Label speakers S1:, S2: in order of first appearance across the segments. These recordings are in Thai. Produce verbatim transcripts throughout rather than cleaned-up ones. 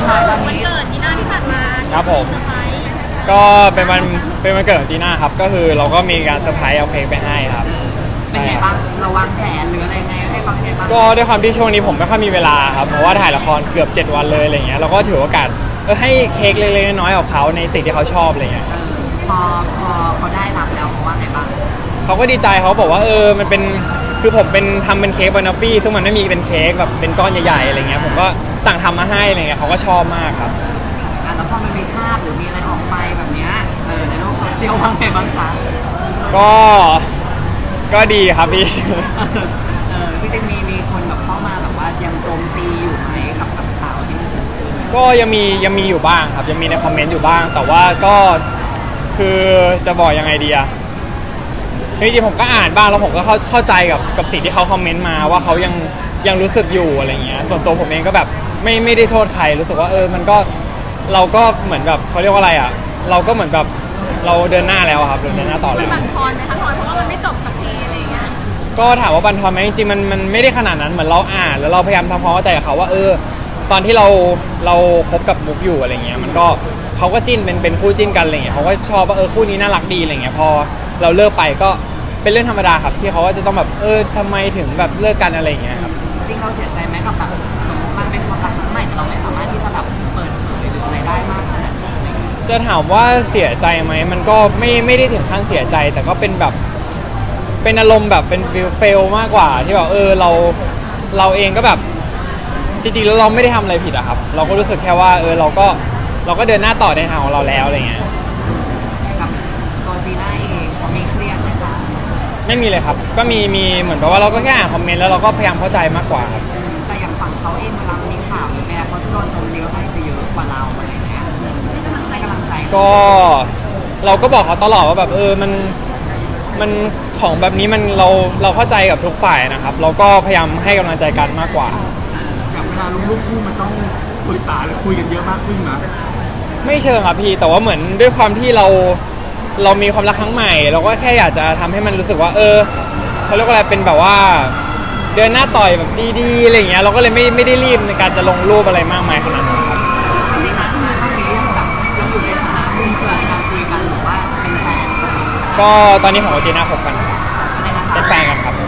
S1: วันเกิดจีน่าที่ผ่านมา
S2: ครับผม
S1: เซอร์ไพรส์
S2: ก็เป็นวันเป็นวันเกิดของจีน่าครับก็คือเราก็มีการเซอร์ไพรส์เอาเค้กไปให้ครับ
S3: เป็นไงบ้างเราวางแผนหรืออะไรไงให้ฟังไงบ้าง
S2: ก็ด้วยความที่ช่วงนี้ผมไม่ค่อยมีเวลาครับเพราะว่าถ่ายละครเกือบเจ็ดวันเลยอะไรเงี้ยเราก็ถือโอกาสเออให้เค้กเล็กๆน้อยๆของเขาในสิ่งที่เขาชอบอะไรเงี้ย
S3: พอพอเขาได้รับแล้วเขาว่าไงบ้าง
S2: เขาก็ดีใจเขาบอกว่าเออมันเป็นคือผมเป็นทำเป็นเค้กบานาฟี่ซึ่งมันไม่มีเป็นเค้กแบบเป็นก้อนใหญ่ๆอะไรเงี้ยผมก็สั่งทำมาให้อะไรเงี้ยเขาก็ชอบมากครับ
S3: แล้วพอมันมีภาพหรือมีอะไรออกไปแบบเนี้ยเออในโลกโซเชียลว่าไงบ้างคะ
S2: ก็ก็ดีครับพี่
S3: เออที่จะมีมีคนแบบเข้ามาแบบว่ายังโจมตีอยู่ไหมกับกับข่าวที่มันเกิดขึ้น
S2: ก็ยังมียังมีอยู่บ้างครับยังมีในคอมเมนต์อยู่บ้างแต่ว่าก็คือจะบอกยังไงดีอะจริงๆผมก็อ่านบ้างแล้วผมก็เข้าเข้าใจกับกับสิ่งที่เขาคอมเมนต์มาว่าเขายังยังรู้สึกอยู่อะไรเงี้ยส่วนตัวผมเองก็แบบไม่ไม่ได้โทษใครรู้สึกว่าเออมันก็เราก็เหมือนแบบเขาเรียกว่าอะไรอ่ะเราก็เหมือนแบบเราเดินหน้าแล้วครับเดินหน้าต่อแล้ว
S1: บั่นทอนไหมคะทอนเพราะว่ามันไม่จบสักทีอะไรเงี้ย
S2: ก็ถามว่าบั่นทอนไหมจริงๆมันมันไม่ได้ขนาดนั้นเหมือนเราอ่านแล้วเราพยายามทำความเข้าใจกับเขาว่าเออตอนที่เราเราคบกับมุกอยู่อะไรเงี้ยมันก็เขาก็จิ้นเป็นเป็นคู่จิ้นกันอะไรเงี้ยเขาก็ชอบว่าเออคู่นี้น่ารักดีอะไรเงี้ยพอเราเลิกไปก็เป็นเรื่องธรรมดาครับที่เขาว่าจะต้องแบบเออทำไมถึงแบบเลิกกันอะไรอย่างเงี้ยครับ
S3: จริงเราเสียใจไหมกับแบบสมมติมันเป็นความรักครั้งใหม่แต่เราไม่สามารถที่จะแบบเปิดเผยหรืออะไรได้มากขนาดนี้
S2: จะถามว่าเสียใจไหมมันก็ไม่ไม่ได้ถึงขั้นเสียใจแต่ก็เป็นแบบเป็นอารมณ์แบบเป็นฟิลเฟลมากกว่าที่แบบเออเราเราเองก็แบบจริงๆแล้วเราไม่ได้ทำอะไรผิดอะครับเราก็รู้สึกแค่ว่าเออเราก็เราก็เดินหน้าต่อในทางของเราแล้วอะไรเงี้ย
S3: กับตัวจีน่าเองเขามีเครียดไหมคะ
S2: ไม่มีเลยครับก็มีมีเหมือนกับว่าเราก็แค่อ่านคอมเมนต์แล้วเราก็พยายามเข้าใจมากกว่าครับ
S3: แต่อย่างฝั่งเขาเองเวลามีข่าวหรือแม้เขาจะโดนโจมตีก็ให้จะเยอะกว่าเราอะไรเงี้ยให้กำลังใจ
S2: ก็เราก็บอกเขาตลอดว่าแบบเออมันมันของแบบนี้มันเราเราเข้าใจกับทุกฝ่ายนะครับเราก็พยายามให้กำลังใจกันมากกว่า
S3: กับเวลาลงรูปคู่มันต้องปรึกษาหรือคุยกันเยอะมากขึ้นนะ
S2: ไม่เชิงครับพี่แต่ว่าเหมือนด้วยความที่เราเรามีความรักครั้งใหม่เราก็แค่อยากจะทำให้มันรู้สึกว่าเออเขาเรียกว่าอะไรเป็นแบบว่าเดินหน้าต่อยแบบดีๆอะไรอย่างเงี้ยเราก็เลยไม่ไม่ได้รีบในการจะลงรูปอะไรมากมายขนาดนั้นครับ
S3: จริงๆนะต้องมีเรื่องแบบยังอยู่ในสถานะเพื่อนในการคุยกันหรือว่าเป็นแฟน
S2: ก็ตอนนี้ผมกับจีน่าคบกันเป็นแฟนกันครับ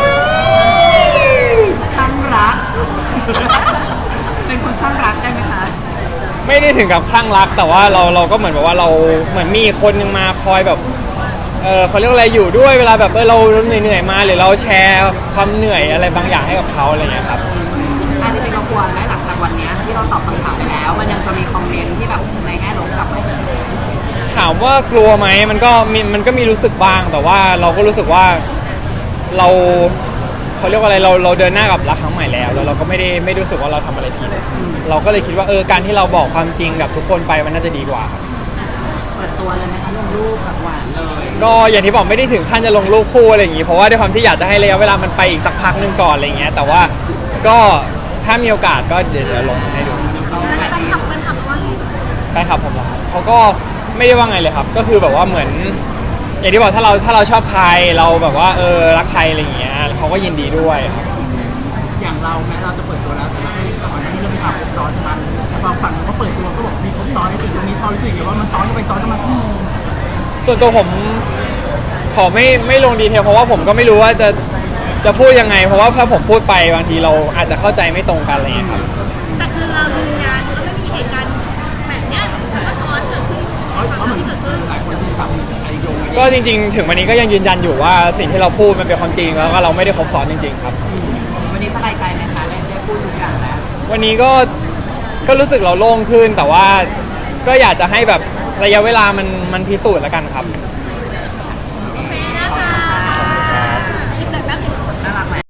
S3: ข้างรักเป็นคนข้างรักได้ไหมคะ
S2: ไม่ได้ถึงกับคลั่งรักแต่ว่าเราเราก็เหมือนแบบว่าเราเหมือนมีคนนึงมาคอยแบบเออเขาเรียกอะไรอยู่ด้วยเวลาแบบเออเราเหนื่อยๆมาหรือเราแชร์ความเหนื่อยอะไรบางอย่างให้กับเขาอะไรเงี้ยครับ
S3: อาจจะเป็นกังวลไหมหลังจากวันนี้ที่เราตอบคำถามไปแล้วมันยังจะมีคอมเมนต์ที่แบบในแง่ลบกลับมา
S2: ถามว่ากลัวไหมมันก็มีมันก็มีรู้สึกบ้างแต่ว่าเราก็รู้สึกว่าเราเขาเรียกว่าอะไรเราเราเดินหน้ากับรักครั้งใหม่แล้วแล้วเราก็ไม่ได้ไม่รู้สึกว่าเราทำอะไรผิดเราก็เลยคิดว่าเออการที่เราบอกความจริงกับทุกคนไปมันน่าจะดีกว่า
S3: เปิดตัวเลยนะคะลงรูปแบบหวานเลย
S2: ก็อย่างที่บอกไม่ได้ถึงขั้นจะลงรูปคู่อะไรอย่างงี้เพราะว่าด้วยความที่อยากจะให้ระยะเวลามันไปอีกสักพักนึงก่อนอะไรเงี้ยแต่ว่าก็ถ้ามีโอกาสก็เดี๋ยวจะลงให้ดู
S1: แล้วแต่ต้องขับมันขับว่า
S2: แฟนคลับผมเหรอเขาก็ไม่ได้ว่าไงเลยครับก็คือแบบว่าเหมือนอย่างที่บอกถ้าเราถ้าเราชอบใครเราแบบว่าเออรักใครอะไรอย่างเงี้ยเขาก็ยินดีด้วยครับ
S3: อย่างเราแม้เราจะเปิดตัวแล้วแต่ก่อนหน้านี้เรามีข่าวครบซ้อนกันแต่บางฝั่งเขาเปิดตัวก็บอกมีครบซ้อนในติดตรงนี้พอรู้สึกว่ามันซ้อนกันไปซ้อนกันมาที่
S2: ส่วนตัวผมขอไม่ไม่ลงดีเทลเพราะว่าผมก็ไม่รู้ว่าจะจะพูดยังไงเพราะว่าถ้าผมพูดไปบางทีเราอาจจะเข้าใจไม่ตรงกันอะไรอย่างเงี้ยครับ
S1: แต่คือเราดูงานก็ไม่มีเหตุการณ์แบบนี้ว่าซ้อนเกิดขึ้นความที่เกิดขึ้น
S2: ก็จริงๆถึงวันนี้ก็ยังยืนยันอยู่ว่าสิ่งที่เราพูดมันเป็นความจริงแล้วก็เราไม่ได้ครบซ้อนจริงๆครับ
S3: วันนี้สบายใจไหมคะได้ได้พูดทุกอย่างแล้ว
S2: วันนี้ก็ก็รู้สึกเราโล่งขึ้นแต่ว่าก็อยากจะให้แบบระยะเวลามันมันพิสูจน์แล้วกันครับ